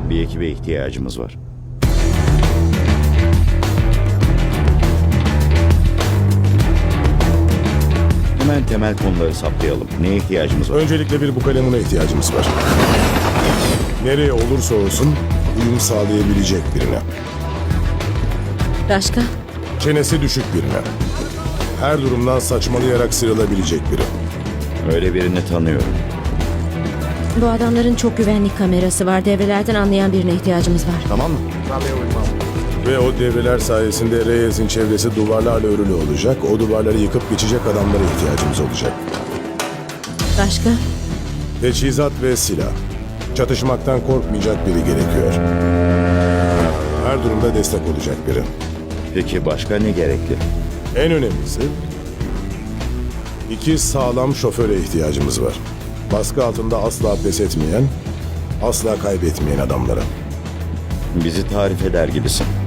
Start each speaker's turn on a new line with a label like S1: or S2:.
S1: Bir ekibe ihtiyacımız var. Hemen temel konuları saptayalım. Neye ihtiyacımız var?
S2: Öncelikle bir bukalemuna ihtiyacımız var. Nereye olursa olsun uyum sağlayabilecek birine.
S3: Başka?
S2: Çenesi düşük birine. Her durumdan saçmalayarak sıyrılabilecek biri.
S1: Öyle birini tanıyorum.
S3: Bu adamların çok güvenlik kamerası var. Devrelerden anlayan birine ihtiyacımız var.
S2: Tamam mı? Ve o devreler sayesinde Reyes'in çevresi duvarlarla örülü olacak. O duvarları yıkıp geçecek adamlara ihtiyacımız olacak.
S3: Başka?
S2: Teçhizat ve silah. Çatışmaktan korkmayacak biri gerekiyor. Her durumda destek olacak biri.
S1: Peki başka ne gerekli?
S2: En önemlisi, 2 sağlam şoföre ihtiyacımız var. Baskı altında asla pes etmeyen, asla kaybetmeyen adamlara.
S1: Bizi tarif eder gibisin.